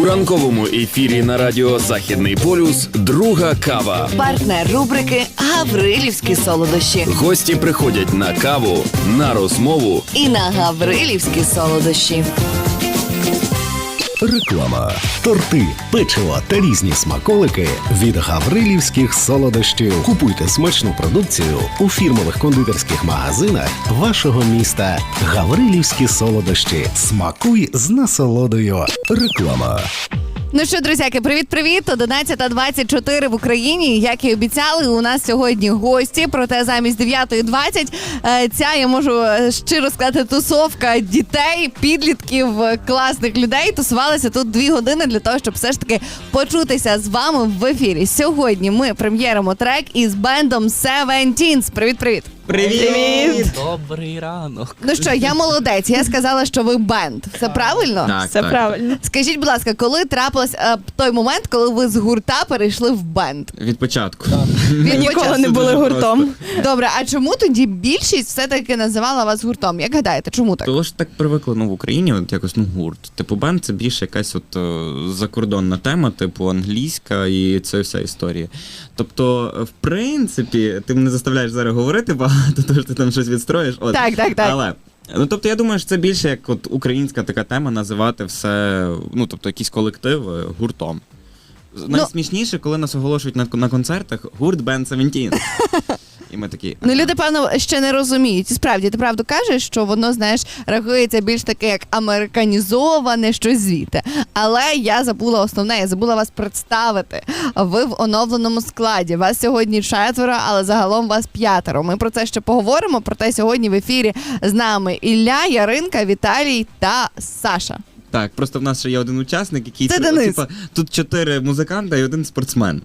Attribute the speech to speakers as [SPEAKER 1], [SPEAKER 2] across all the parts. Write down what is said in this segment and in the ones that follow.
[SPEAKER 1] У ранковому ефірі на радіо «Західний полюс» друга кава.
[SPEAKER 2] Партнер рубрики «Гаврилівські солодощі».
[SPEAKER 1] Гості приходять на каву, на розмову
[SPEAKER 2] І на гаврилівські солодощі.
[SPEAKER 3] Реклама. Торти, печиво та різні смаколики від гаврилівських солодощів. Купуйте смачну продукцію у фірмових кондитерських магазинах вашого міста. Гаврилівські солодощі. Смакуй з насолодою. Реклама.
[SPEAKER 2] Ну що, друзяки, привіт-привіт! 11:24 в Україні. Як і обіцяли, у нас сьогодні гості, проте замість 9:20 ця, я можу щиро сказати, тусовка дітей, підлітків, класних людей тусувалася тут 2 години для того, щоб все ж таки почутися з вами в ефірі. Сьогодні ми прем'єримо трек із бендом Seventeens. Привіт-привіт!
[SPEAKER 4] Привіт!
[SPEAKER 5] Добрий ранок.
[SPEAKER 2] Ну що, я молодець, я сказала, що ви бенд. Це правильно?
[SPEAKER 4] Так,
[SPEAKER 5] Все правильно.
[SPEAKER 2] Скажіть, будь ласка, коли трапилось той момент, коли ви з гурта перейшли в бенд?
[SPEAKER 4] Від початку.
[SPEAKER 5] Ми ніколи не були гуртом.
[SPEAKER 2] Добре, а чому тоді більшість все-таки називала вас гуртом? Як гадаєте, чому так?
[SPEAKER 4] Того ж так привикли в Україні, от якось гурт. Типу бенд це більше якась закордонна тема, типу англійська і це вся історія. Тобто, в принципі, ти мене заставляєш зараз говорити багато, тому що ти там щось відстроїш. От.
[SPEAKER 2] Так.
[SPEAKER 4] Але, тобто, я думаю, що це більше як от українська така тема називати все, тобто якісь колективи гуртом. Найсмішніше, коли нас оголошують на концертах гурт Band 17. І ми такі...
[SPEAKER 2] Ну, люди, певно, ще не розуміють. І справді, ти правду кажеш, що воно, знаєш, рахується більш таке, як американізоване, щось звідти. Але я забула основне, я забула вас представити. Ви в оновленому складі. Вас сьогодні 4, але загалом вас 5. Ми про це ще поговоримо, проте сьогодні в ефірі з нами Ілля, Яринка, Віталій та Саша.
[SPEAKER 4] Так, просто в нас ще є один учасник, який...
[SPEAKER 2] Це Денис.
[SPEAKER 4] Тут 4 музиканта і 1 спортсмен.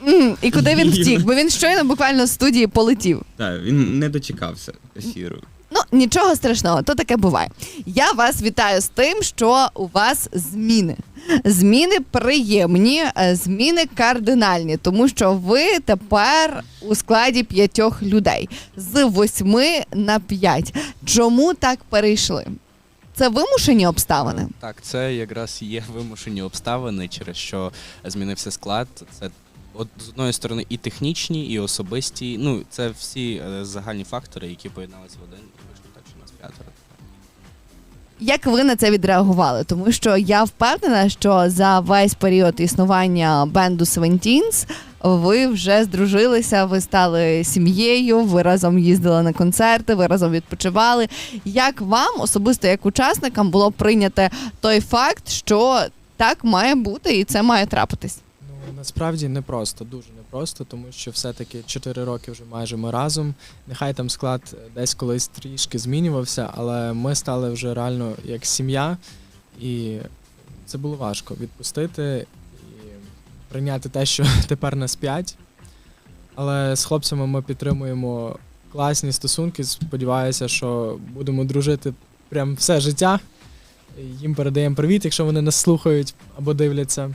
[SPEAKER 2] І куди він втік? Бо він щойно буквально з студії полетів.
[SPEAKER 4] Так, він не дочекався ефіру.
[SPEAKER 2] Ну, нічого страшного, то таке буває. Я вас вітаю з тим, що у вас зміни. Зміни приємні, зміни кардинальні, тому що ви тепер у складі 5 людей. З 8 на 5. Чому так перейшли? Це вимушені обставини?
[SPEAKER 5] Так, це якраз є вимушені обставини, через що змінився склад. Це з одної сторони і технічні, і особисті. Це всі загальні фактори, які поєдналися в один, і вийшло так, що нас 5.
[SPEAKER 2] Як ви на це відреагували? Тому що я впевнена, що за весь період існування бенду Seventeens ви вже здружилися, ви стали сім'єю, ви разом їздили на концерти, ви разом відпочивали. Як вам, особисто як учасникам, було прийняти той факт, що так має бути і це має трапитись?
[SPEAKER 6] Насправді непросто, дуже непросто, тому що все-таки 4 роки вже майже ми разом. Нехай там склад десь колись трішки змінювався, але ми стали вже реально як сім'я, і це було важко відпустити і прийняти те, що тепер нас 5. Але з хлопцями ми підтримуємо класні стосунки, сподіваюся, що будемо дружити прям все життя. Їм передаємо привіт, якщо вони нас слухають або дивляться.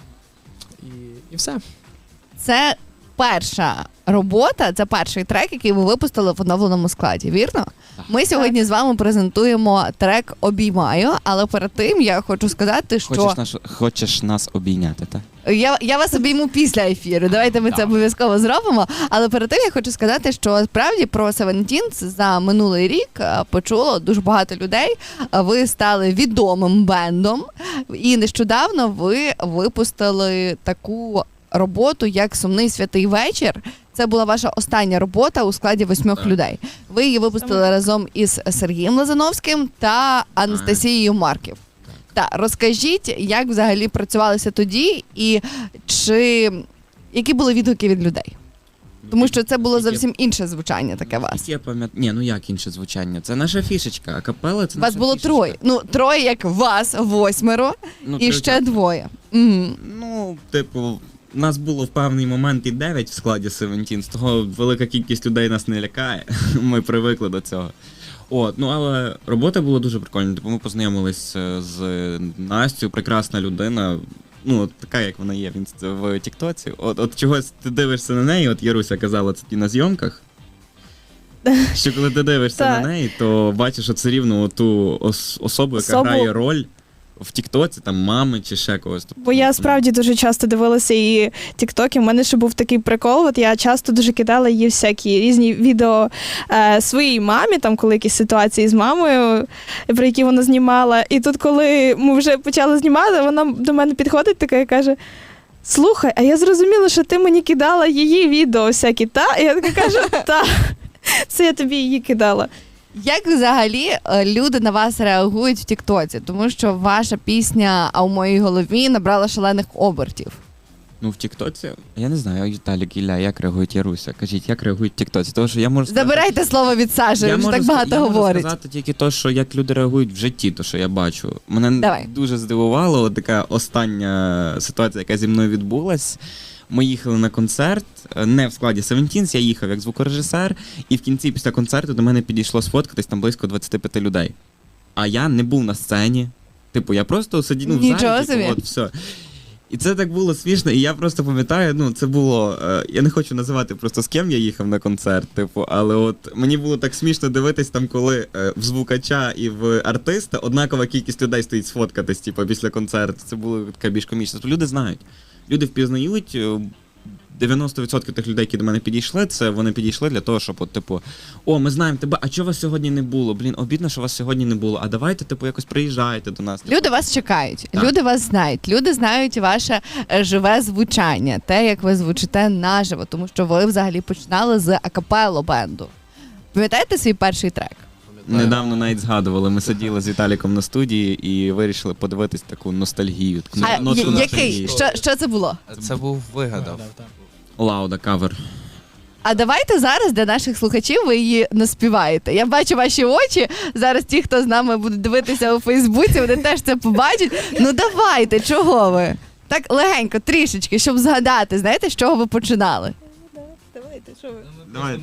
[SPEAKER 6] І все.
[SPEAKER 2] Це перша робота, це перший трек, який ви випустили в оновленому складі, вірно? Ми сьогодні з вами презентуємо трек «Обіймаю», але перед тим я хочу сказати, що...
[SPEAKER 4] Хочеш нас обійняти, так?
[SPEAKER 2] Я вас обійму після ефіру, давайте ми це обов'язково зробимо, але перед тим я хочу сказати, що справді про Seventeens за минулий рік почуло дуже багато людей, ви стали відомим бендом, і нещодавно ви випустили таку роботу, як «Сумний святий вечір». Це була ваша остання робота у складі 8 людей. Ви її випустили разом із Сергієм Лазановським та Анастасією Марків. Так, розкажіть, як взагалі працювалися тоді і які були відгуки від людей? Тому що це було зовсім інше звучання таке вас.
[SPEAKER 4] Я пам'ятаю. Як інше звучання? Це наша фішечка, а капела це наша
[SPEAKER 2] вас було
[SPEAKER 4] фішечка.
[SPEAKER 2] 3. 3 як вас, 8 і ще 2. Угу.
[SPEAKER 4] Нас було в певний момент і 9 в складі Seventeens, того велика кількість людей нас не лякає, ми привикли до цього. Але робота була дуже прикольна, ми познайомились з Настю, прекрасна людина, така, як вона є в Тіктоці. От чогось ти дивишся на неї, от Яруся казала це на зйомках, що коли ти дивишся на неї, то бачиш все рівно ту особу, яка грає роль в Тіктоці, там мами чи ще когось. Тобто,
[SPEAKER 7] Бо я справді дуже часто дивилася її тіктоки. У мене ще був такий прикол. От я часто дуже кидала їй всякі різні відео своїй мамі, там коли якісь ситуації з мамою, про які вона знімала. І тут, коли ми вже почали знімати, вона до мене підходить така і каже: слухай, а я зрозуміла, що ти мені кидала її відео всякі, та? І я така кажу, та, це я тобі її кидала.
[SPEAKER 2] Як взагалі люди на вас реагують в Тіктоці? Тому що ваша пісня «А у моїй голові» набрала шалених обертів.
[SPEAKER 4] Ну, в Тіктоці, я не знаю, Віталік, Ілля, як реагують Яруся? Кажіть, як реагують в Тіктоці? Тому що я можу сказати,
[SPEAKER 2] Забирайте слово від Саші, він вже так багато
[SPEAKER 4] я
[SPEAKER 2] говорить.
[SPEAKER 4] можу сказати тільки те, що як люди реагують в житті, то що я бачу. Мене
[SPEAKER 2] Давай.
[SPEAKER 4] дуже здивувало от така остання ситуація, яка зі мною відбулась. Ми їхали на концерт, не в складі Seventeens, я їхав як звукорежисер, і в кінці після концерту до мене підійшло сфоткатись там близько 25 людей. А я не був на сцені. Типу, я просто сидів в
[SPEAKER 2] Нічого
[SPEAKER 4] залі,
[SPEAKER 2] собі.
[SPEAKER 4] типу, от все. І це так було смішно, і я просто пам'ятаю, ну це було, я не хочу називати просто з ким я їхав на концерт, типу, але от мені було так смішно дивитись там, коли в звукача і в артиста однакова кількість людей стоїть сфоткатись, типу, після концерту. Це було таке більш комічно. Тобто люди знають, люди впізнають. 90% тих людей, які до мене підійшли, це вони підійшли для того, щоб, от, типу, о, ми знаємо тебе, а чого вас сьогодні не було? Блін, обідно, що вас сьогодні не було. А давайте, типу, якось приїжджайте до нас.
[SPEAKER 2] Люди вас чекають,
[SPEAKER 4] Так.
[SPEAKER 2] люди вас знають, люди знають ваше живе звучання, те, як ви звучите наживо, тому що ви взагалі починали з акапелло бенду. Пам'ятаєте свій перший трек?
[SPEAKER 4] Недавно навіть згадували, ми сиділи з Віталіком на студії і вирішили подивитись таку ностальгію. Таку
[SPEAKER 2] А
[SPEAKER 4] нотку
[SPEAKER 2] який?
[SPEAKER 4] ностальгії.
[SPEAKER 2] Що це було?
[SPEAKER 5] Це був вигадав.
[SPEAKER 4] Лауда кавер.
[SPEAKER 2] А давайте зараз для наших слухачів ви її наспіваєте. Я бачу ваші очі. Зараз ті, хто з нами буде дивитися у Фейсбуці, вони теж це побачать. Ну давайте, чого ви? Так легенько, трішечки, щоб згадати, знаєте, з чого ви починали.
[SPEAKER 7] Давайте, що ви?
[SPEAKER 4] Давайте.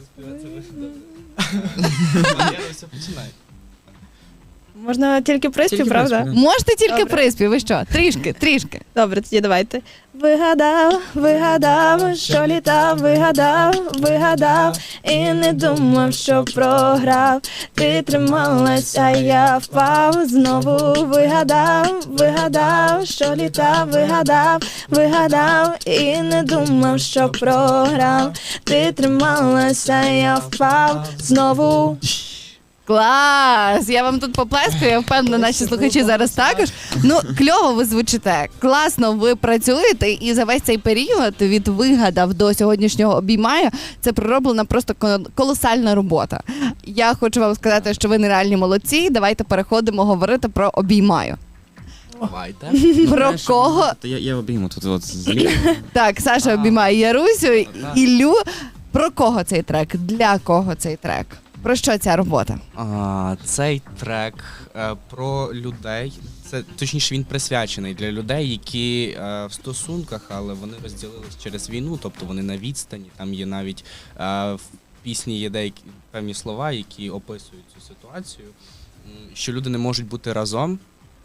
[SPEAKER 7] Можна тільки приспів,
[SPEAKER 4] Тільки
[SPEAKER 7] правда?
[SPEAKER 4] приспів, да.
[SPEAKER 2] Можете тільки
[SPEAKER 7] Добре.
[SPEAKER 2] приспів, ви що? Трішки.
[SPEAKER 7] Добре, тоді давайте. Вигадав, що літав, вигадав, і не думав, що програв. Ти трималася, я впав, знову вигадав, що літав, вигадав, і не думав, що програв. Ти трималася, я впав, знову.
[SPEAKER 2] Клас! Я вам тут поплескаю, я впевнена, наші слухачі зараз також. Ну, кльово ви звучите, класно ви працюєте, і за весь цей період від вигадав до сьогоднішнього обіймаю, це пророблена просто колосальна робота. Я хочу вам сказати, що ви нереальні молодці. Давайте переходимо говорити про обіймаю.
[SPEAKER 5] Давайте.
[SPEAKER 2] Про кого?
[SPEAKER 4] Я обійму тут от зліва.
[SPEAKER 2] Так, Саша обіймає Ярусю, Іллю. Про кого цей трек? Для кого цей трек? Про що ця робота?
[SPEAKER 5] Цей трек про людей. Це точніше, він присвячений для людей, які в стосунках, але вони розділились через війну, тобто вони на відстані. Там є навіть в пісні є деякі певні слова, які описують цю ситуацію, що люди не можуть бути разом,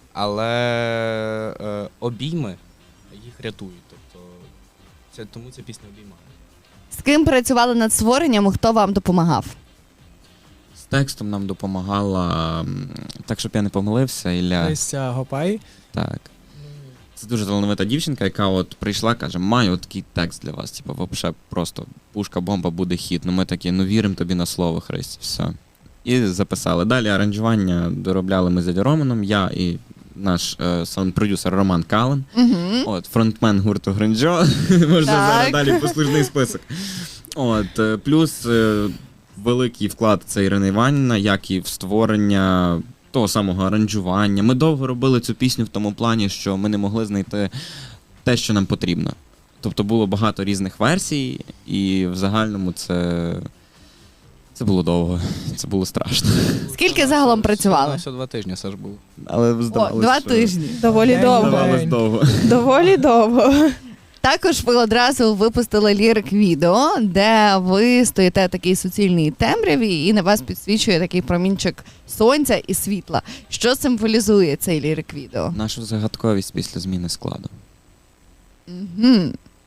[SPEAKER 5] але обійми їх рятують. Тобто тому ця пісня обіймає.
[SPEAKER 2] З ким працювали над створенням, хто вам допомагав?
[SPEAKER 4] З текстом нам допомагала, так щоб я не помилився, Ілля.
[SPEAKER 6] Леся Гопай.
[SPEAKER 4] Так. Це дуже талановита дівчинка, яка от прийшла, каже, маю от такий текст для вас. Типу, вообще просто пушка-бомба, буде хіт. Ну ми такі, ну віримо тобі на слово, Христі, все. І записали. Далі аранжування доробляли ми з Дядю Романом, я і наш саунд-продюсер Роман Кален.
[SPEAKER 2] Угу.
[SPEAKER 4] От, фронтмен гурту Гринджо. Можна зараз далі послужний список. От, плюс великий вклад це Ірина Іванівна, як і в створення того самого аранжування. Ми довго робили цю пісню в тому плані, що ми не могли знайти те, що нам потрібно. Тобто було багато різних версій, і в загальному це було довго, це було страшно.
[SPEAKER 2] Скільки загалом працювали?
[SPEAKER 5] Всього 2 тижні Саш був.
[SPEAKER 4] Але
[SPEAKER 2] О,
[SPEAKER 4] здавалось,
[SPEAKER 2] 2
[SPEAKER 4] що-
[SPEAKER 2] тижні.
[SPEAKER 7] Доволі довго.
[SPEAKER 4] Здавалось довго.
[SPEAKER 7] Доволі довго.
[SPEAKER 2] Також ви одразу випустили лірик-відео, де ви стоїте в такій суцільній темряві і на вас підсвічує такий промінчик сонця і світла. Що символізує цей лірик-відео?
[SPEAKER 4] Нашу загадковість після зміни складу.
[SPEAKER 2] Угу.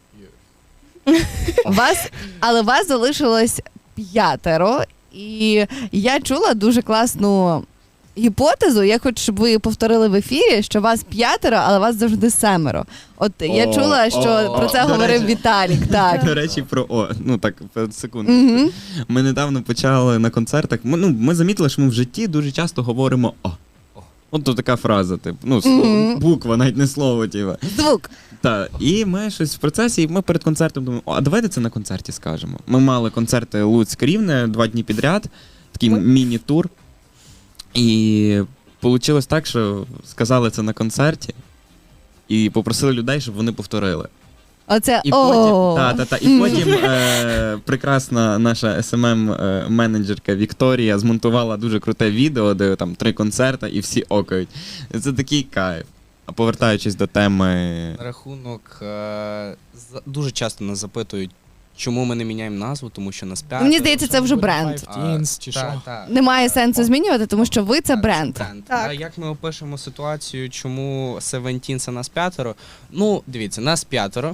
[SPEAKER 2] Вас залишилось 5, і я чула дуже класну гіпотезу, я хочу, щоб ви повторили в ефірі, що вас 5, але вас завжди 7. От я чула, що про це
[SPEAKER 4] до
[SPEAKER 2] говорив
[SPEAKER 4] речі.
[SPEAKER 2] Віталік. Так.
[SPEAKER 4] До речі, секунду.
[SPEAKER 2] Мгм.
[SPEAKER 4] Ми недавно почали на концертах. Ми замітили, що ми в житті дуже часто говоримо «о». От то така фраза, типу,
[SPEAKER 2] Мгм.
[SPEAKER 4] буква, навіть не слово, типу.
[SPEAKER 2] Звук.
[SPEAKER 4] Так, і ми щось в процесі, і ми перед концертом думаємо, а давайте це на концерті скажемо. Ми мали концерти Луцьк-Рівне 2 дні підряд, такий міні-тур. І вийшло так, що сказали це на концерті і попросили людей, щоб вони повторили.
[SPEAKER 2] Оце
[SPEAKER 4] І потім прекрасна наша SMM-менеджерка Вікторія змонтувала дуже круте відео, де там 3 концерти і всі окають. Це такий кайф. А повертаючись до теми.
[SPEAKER 5] На рахунок дуже часто нас запитують, чому ми не міняємо назву, тому що нас 5.
[SPEAKER 2] Мені здається, це вже бренд.
[SPEAKER 6] Five Teens чи що?
[SPEAKER 2] Немає сенсу змінювати, тому що ви це бренд.
[SPEAKER 7] Так.
[SPEAKER 5] А як ми опишемо ситуацію, чому Seventeen це нас 5? Ну, дивіться, нас 5.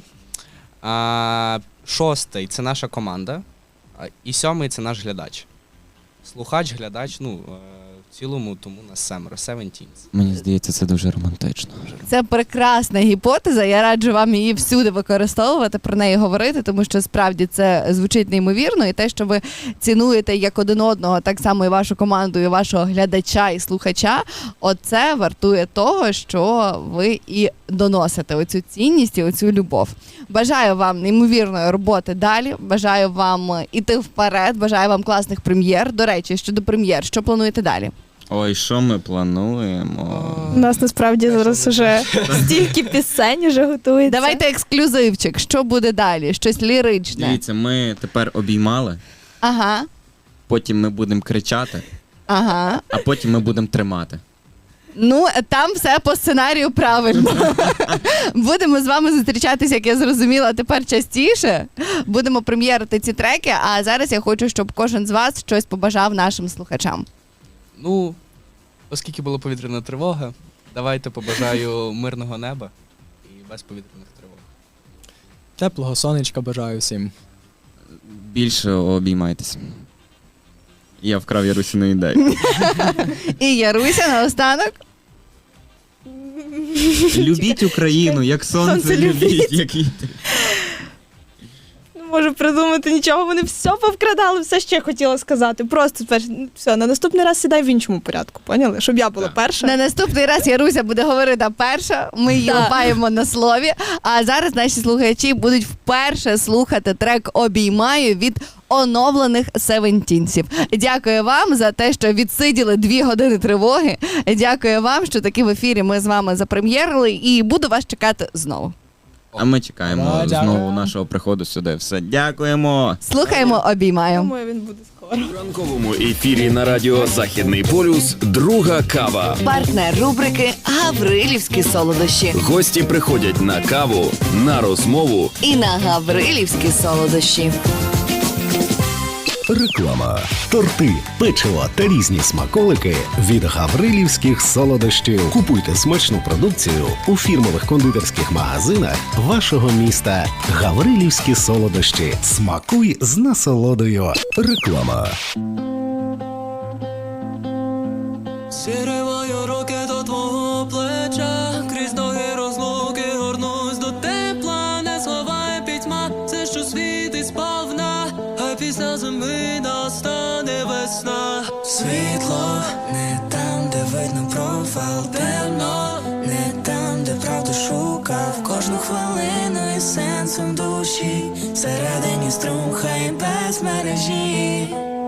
[SPEAKER 5] 6 це наша команда, і 7 це наш глядач. Слухач, глядач, в цілому, тому нас 7. Seventeen.
[SPEAKER 4] Мені здається, це дуже романтично.
[SPEAKER 2] Це прекрасна гіпотеза. Я раджу вам її всюди використовувати, про неї говорити, тому що справді це звучить неймовірно. І те, що ви цінуєте як один одного, так само і вашу команду, і вашого глядача і слухача, оце вартує того, що ви і доносите оцю цінність і оцю любов. Бажаю вам неймовірної роботи далі. Бажаю вам іти вперед. Бажаю вам класних прем'єр. До речі, щодо прем'єр, що плануєте далі?
[SPEAKER 4] Ой, що ми плануємо?
[SPEAKER 7] У нас насправді зараз уже стільки пісень вже готується.
[SPEAKER 2] Давайте ексклюзивчик. Що буде далі? Щось ліричне.
[SPEAKER 4] Дивіться, ми тепер обіймали,
[SPEAKER 2] Ага.
[SPEAKER 4] потім ми будемо кричати,
[SPEAKER 2] Ага.
[SPEAKER 4] а потім ми будемо тримати.
[SPEAKER 2] Ну, там все по сценарію правильно. Будемо з вами зустрічатися, як я зрозуміла, тепер частіше. Будемо прем'єрити ці треки, а зараз я хочу, щоб кожен з вас щось побажав нашим слухачам.
[SPEAKER 5] Ну, оскільки була повітряна тривога, давайте побажаю мирного неба і без повітряних тривог.
[SPEAKER 6] Теплого сонечка бажаю всім.
[SPEAKER 4] Більше обіймайтесь. Я вкрав Ярусіну ідею.
[SPEAKER 2] І Яруся наостанок.
[SPEAKER 4] Любіть Україну, як сонце
[SPEAKER 7] Сонце любіть.
[SPEAKER 4] любіть, як вітер.
[SPEAKER 7] Не можу придумати нічого, вони все повкрадали, все ще хотіла сказати. Просто все, на наступний раз сідай в іншому порядку, поняли? Щоб я була перша.
[SPEAKER 2] На наступний раз Яруся буде говорити перша, ми її
[SPEAKER 7] Так.
[SPEAKER 2] лапаємо на слові. А зараз наші слухачі будуть вперше слухати трек «Обіймаю» від оновлених Севентінсів. Дякую вам за те, що відсиділи 2 години тривоги. Дякую вам, що таки в ефірі ми з вами запрем'єрили, і буду вас чекати знову.
[SPEAKER 4] А ми чекаємо
[SPEAKER 6] Дякую.
[SPEAKER 4] знову нашого приходу сюди. Все, дякуємо.
[SPEAKER 2] Слухаємо «Обіймаю».
[SPEAKER 7] Думаю, він буде скоро.
[SPEAKER 1] В ранковому ефірі на радіо Західний полюс друга кава.
[SPEAKER 2] Партнер рубрики «Гаврилівські солодощі».
[SPEAKER 1] Гості приходять на каву, на розмову.
[SPEAKER 2] І на «Гаврилівські солодощі».
[SPEAKER 3] Реклама. Торти, печиво та різні смаколики від гаврилівських солодощів. Купуйте смачну продукцію у фірмових кондитерських магазинах вашого міста. Гаврилівські солодощі. Смакуй з насолодою. Реклама.
[SPEAKER 8] Зіриваю руки до твого плеча, крізь ноги розлуки горнусь до тепла, не сховай пітьма, все, що світить сповна, а після зими настане весна. Світло не там, де видно провал, темно, не там, де правду шукав, кожну хвилину із сенсом душі, всередині струм, хай без мережі.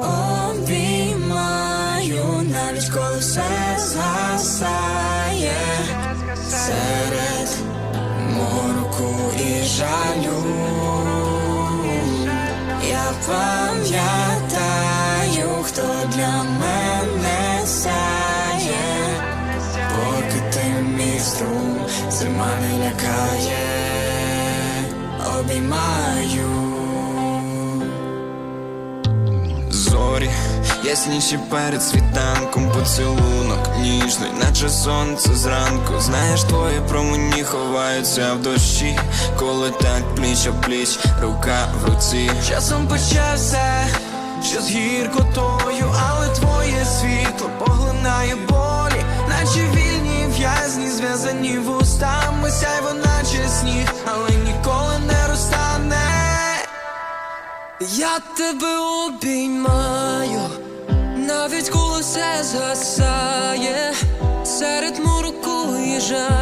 [SPEAKER 8] Обіймаю, навіть коли все згасає серед мороку і жалю. Я пам'ятаю, хто для мене сяє, поки ти мій струм, зима не лякає. Обіймаю. Зорі, ясніші перед світанком, поцілунок ніжний, наче сонце зранку. Знаєш, твої промені ховаються в дощі, коли так пліч о пліч, рука в руці. Часом почався що з гіркотою, але твоє світло поглинає болі, наче вільні в'язні, зв'язані вустами, сяйво наче сніг, але ніколи не розтане. Я тебе обіймаю, навіть коли все згасає, серед мороку і жаль.